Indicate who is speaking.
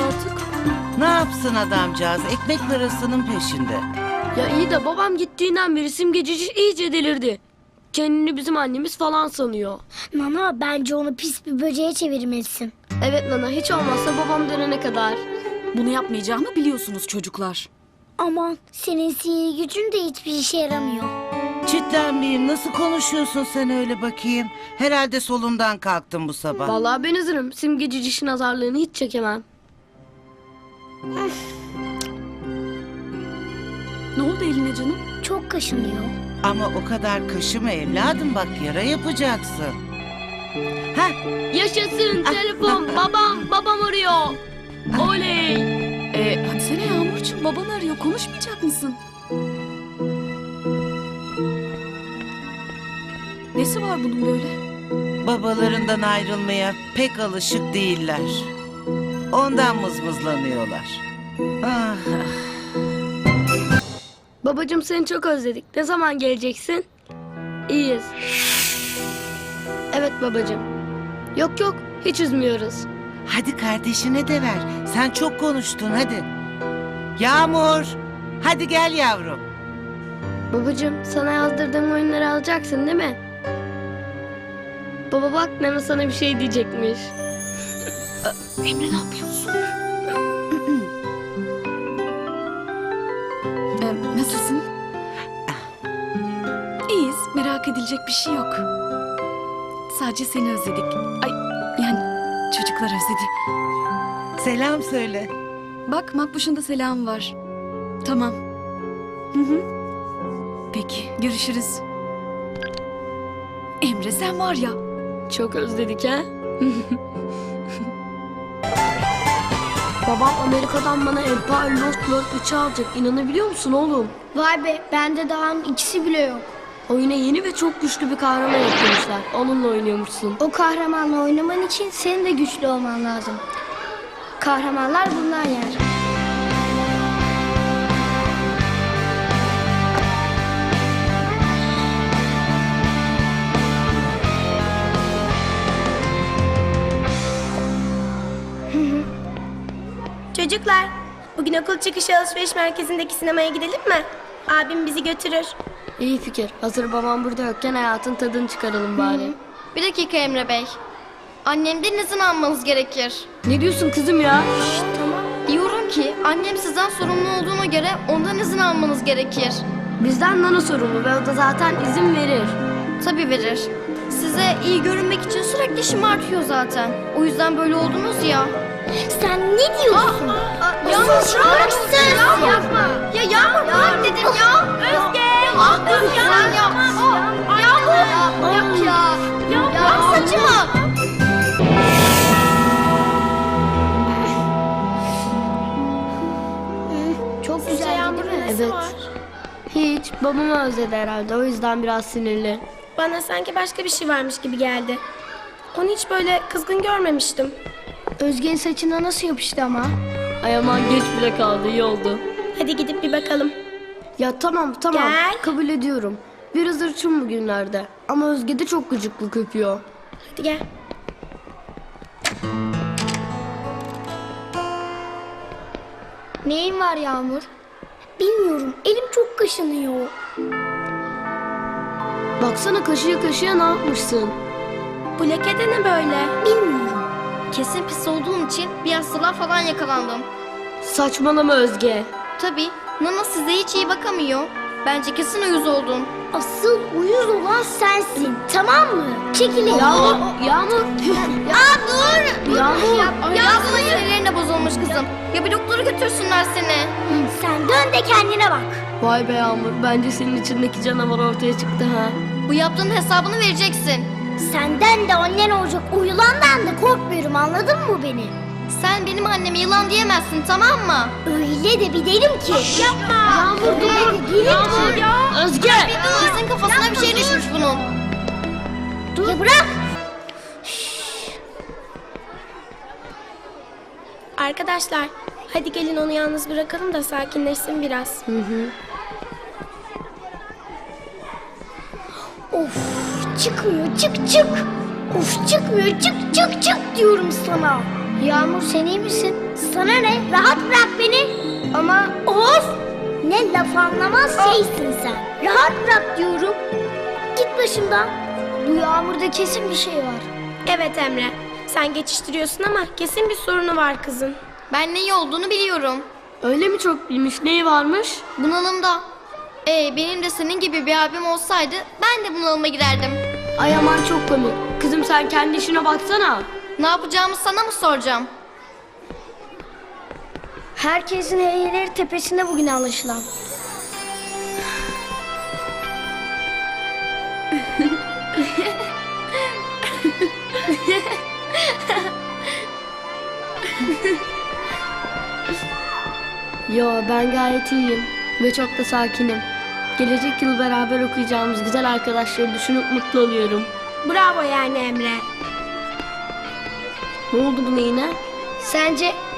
Speaker 1: artık.
Speaker 2: Ne yapsın adamcağız? Ekmek parasının peşinde.
Speaker 1: Ya iyi de babam gittiğinden beri simgecici iyice delirdi. Kendini bizim annemiz falan sanıyor.
Speaker 3: Nana bence onu pis bir böceğe çevirmelisin.
Speaker 1: Evet Nana, hiç olmazsa babam dönene kadar.
Speaker 4: Bunu yapmayacağımı biliyorsunuz çocuklar.
Speaker 3: Aman senin sihir gücün de hiçbir işe yaramıyor.
Speaker 2: Çitlenmeyeyim. Nasıl konuşuyorsun sen öyle bakayım? Herhalde solundan kalktın bu sabah.
Speaker 1: Vallahi ben hazırım. Simgecici nazarlığını hiç çekemem.
Speaker 4: Ne oldu eline canım?
Speaker 3: Çok kaşınıyor.
Speaker 2: Ama o kadar kaşıma evladım, bak yara yapacaksın. Heh,
Speaker 1: Yaşasın telefon. Babam arıyor. Oley.
Speaker 4: Hadi sene Yağmurcuğum, baban arıyor, konuşmayacak mısın? Nesi var bunun böyle?
Speaker 2: babalarından ayrılmaya pek alışık değiller. Ondan mızmızlanıyorlar. Ah.
Speaker 1: Babacığım seni çok özledik. Ne zaman geleceksin? İyiyiz. Evet babacığım. Yok hiç üzmüyoruz.
Speaker 2: Hadi kardeşine de ver. Sen çok konuştun, hadi. Yağmur, hadi gel yavrum.
Speaker 1: Babacığım sana yazdırdığım oyunları alacaksın değil mi? Baba bak Nana sana bir şey diyecekmiş.
Speaker 4: Emre ne yapıyorsun? Nasılsın? İyiyiz, merak edilecek bir şey yok. Sadece seni özledik. Ay, yani çocuklar özledi.
Speaker 2: Selam söyle.
Speaker 4: Bak Makbuş'un da selamı var. Tamam. Hı. Peki, görüşürüz. Emre sen var ya.
Speaker 1: Çok özledik ha? Babam Amerika'dan bana Empire Lost World 3'ü alacak. İnanabiliyor musun oğlum?
Speaker 3: Vay be bende daha ikisi bile yok.
Speaker 1: Oyuna yeni ve çok güçlü bir kahraman eklemişler. Onunla oynuyormuşsun.
Speaker 3: O kahramanla oynaman için senin de güçlü olman lazım. Kahramanlar bundan yer.
Speaker 5: Çocuklar, bugün okul çıkışı alışveriş merkezindeki sinemaya gidelim mi? Abim bizi götürür.
Speaker 1: İyi fikir. Hazır babam burada yokken hayatın tadını çıkaralım bari.
Speaker 6: Bir dakika Emre Bey. Annemden izin almanız gerekir.
Speaker 1: Ne diyorsun kızım ya?
Speaker 6: Diyorum ki annem sizden sorumlu olduğuna göre ondan izin almanız gerekir.
Speaker 1: Bizden Nana sorumlu ve o da zaten izin verir.
Speaker 6: Tabii verir. Size iyi görünmek için sürekli şımartıyor zaten. O yüzden böyle oldunuz ya.
Speaker 3: Sen ne diyorsun?
Speaker 6: Yağmur bıraksın. Yapma. Ya Yağmur bırak dedim ya. Özge. Özge. Yağmur. Yok ya. Bırak saçımı.
Speaker 3: Çok güzel değil mi?
Speaker 1: Evet. Hiç. Babamı özledi herhalde. O yüzden biraz sinirli.
Speaker 5: Bana sanki başka bir şey varmış gibi geldi. Onu hiç böyle kızgın görmemiştim.
Speaker 3: Özge'nin saçına nasıl yapıştı ama?
Speaker 1: Ay aman geç bile kaldı. İyi oldu.
Speaker 5: Hadi gidip bir bakalım.
Speaker 1: Ya tamam.
Speaker 5: Gel.
Speaker 1: Kabul ediyorum. Biraz hırçın bugünlerde. Ama Özge de çok gıcıklık yapıyor.
Speaker 5: Hadi gel.
Speaker 3: Neyin var Yağmur? Bilmiyorum. Elim çok kaşınıyor.
Speaker 1: Baksana kaşıya ne yapmışsın?
Speaker 5: Bu leke de ne böyle?
Speaker 3: Bilmiyorum.
Speaker 6: Kesin pis olduğum için bir hastalığa falan yakalandım.
Speaker 1: Saçmalama Özge.
Speaker 6: Tabii. Nana size hiç iyi bakamıyor. Bence kesin uyuz oldun.
Speaker 3: Asıl uyuz olan sensin. Tamam mı? Çekilin.
Speaker 1: Yağmur.
Speaker 6: Dur.
Speaker 1: Yağmur.
Speaker 6: Yağmur'un sinirlerine bozulmuş kızım. Ya bir doktora götürsünler seni.
Speaker 3: Sen dön de kendine bak.
Speaker 1: Vay be Yağmur. Bence senin içindeki canavar ortaya çıktı ha.
Speaker 6: Bu yaptığın hesabını vereceksin.
Speaker 3: Senden de annen olacak o yılandan da korkmuyorum, anladın mı beni?
Speaker 6: Sen benim anneme yılan diyemezsin, tamam mı?
Speaker 3: Öyle de bir derim ki. Yapma. Yağmur dur.
Speaker 6: Yağmur ya.
Speaker 1: Özge.
Speaker 6: Kesin kafasına bir şey düşmüş bunun.
Speaker 3: Ya bırak.
Speaker 5: Arkadaşlar, hadi gelin onu yalnız bırakalım da sakinleşsin biraz.
Speaker 3: Of çıkmıyor, çık. Of çıkmıyor, çık diyorum sana. Yağmur sen iyi misin? Sana ne? Rahat bırak beni. Ama of! Ne laf anlamaz şeysin sen. Rahat bırak diyorum. Git başımdan. Bu Yağmur'da kesin bir şey var.
Speaker 5: Evet Emre. Sen geçiştiriyorsun ama kesin bir sorunu var kızın.
Speaker 6: Ben neyi olduğunu biliyorum.
Speaker 1: Öyle mi çok bilmiş? Neyi varmış?
Speaker 6: Bunalımda. Benim de senin gibi bir abim olsaydı ben de bunalıma girerdim.
Speaker 1: Ay aman çok komik. Kızım sen kendi işine baksana.
Speaker 6: Ne yapacağımı sana mı soracağım?
Speaker 3: Herkesin heyleri tepesinde bugün anlaşılan.
Speaker 1: Yo ben gayet iyiyim ve çok da sakinim. Gelecek yıl beraber okuyacağımız güzel arkadaşları düşünüp mutlu oluyorum.
Speaker 5: Bravo yani Emre.
Speaker 1: Ne oldu buna yine?
Speaker 3: Sence